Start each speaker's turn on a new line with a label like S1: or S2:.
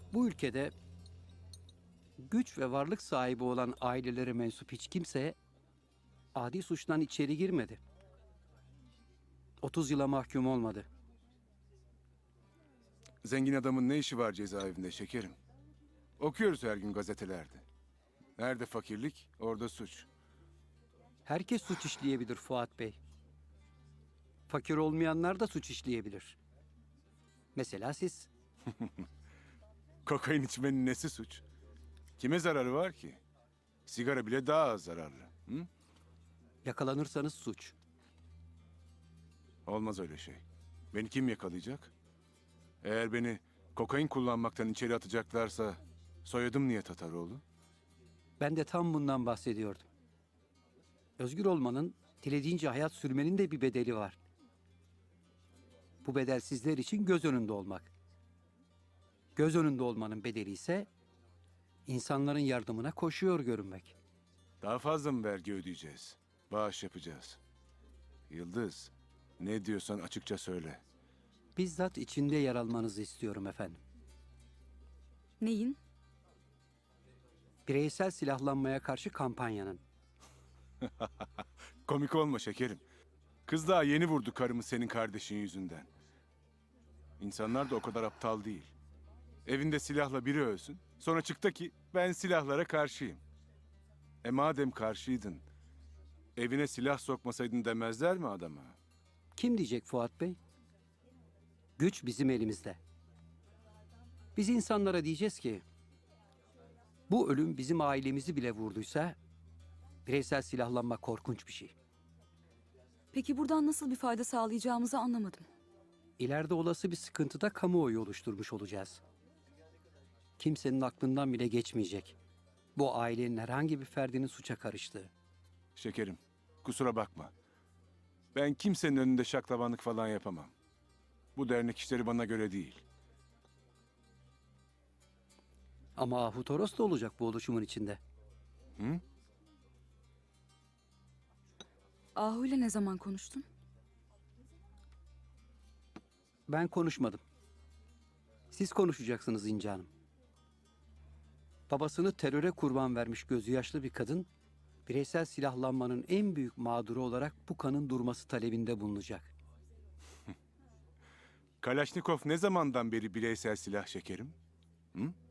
S1: Bu ülkede güç ve varlık sahibi olan ailelere mensup hiç kimse adi suçtan içeri girmedi. 30 yıla mahkum olmadı.
S2: Zengin adamın ne işi var cezaevinde şekerim? Okuyoruz her gün gazetelerde. Nerede fakirlik, orada suç.
S1: Herkes suç işleyebilir Fuat Bey. Fakir olmayanlar da suç işleyebilir. Mesela siz.
S2: Kokain içmenin nesi suç? Kime zararı var ki? Sigara bile daha az zararlı. Hı?
S1: Yakalanırsanız suç.
S2: Olmaz öyle şey. Beni kim yakalayacak? Eğer beni kokain kullanmaktan içeri atacaklarsa soyadım niye Tataroğlu?
S1: Ben de tam bundan bahsediyordum. Özgür olmanın, dilediğince hayat sürmenin de bir bedeli var. Bu bedel sizler için göz önünde olmak. Göz önünde olmanın bedeli ise insanların yardımına koşuyor görünmek.
S2: Daha fazla mı vergi ödeyeceğiz? Bağış yapacağız. Yıldız, ne diyorsan açıkça söyle.
S1: Bizzat içinde yer almanızı istiyorum efendim.
S3: Neyin?
S1: Bireysel silahlanmaya karşı kampanyanın.
S2: Komik olma şekerim. Kız daha yeni vurdu karımı senin kardeşin yüzünden. İnsanlar da o kadar aptal değil. Evinde silahla biri ölsün. Sonra çıktı ki ben silahlara karşıyım. Madem karşıydın, evine silah sokmasaydın demezler mi adama?
S1: Kim diyecek Fuat Bey? Güç bizim elimizde. Biz insanlara diyeceğiz ki, bu ölüm bizim ailemizi bile vurduysa, bireysel silahlanma korkunç bir şey.
S3: Peki buradan nasıl bir fayda sağlayacağımızı anlamadım.
S1: İleride olası bir sıkıntıda kamuoyu oluşturmuş olacağız. Kimsenin aklından bile geçmeyecek. Bu ailenin herhangi bir ferdinin suça karıştığı.
S2: Şekerim, kusura bakma. Ben kimsenin önünde şaklabanlık falan yapamam. Bu dernek işleri bana göre değil.
S1: Ama Ahu Toros da olacak bu oluşumun içinde.
S2: Hı?
S3: Ahu ile ne zaman konuştun?
S1: Ben konuşmadım. Siz konuşacaksınız İnce Hanım. Babasını teröre kurban vermiş gözü yaşlı bir kadın, bireysel silahlanmanın en büyük mağduru olarak bu kanın durması talebinde bulunacak.
S2: Kalaşnikov ne zamandan beri bireysel silah şekerim? Hı?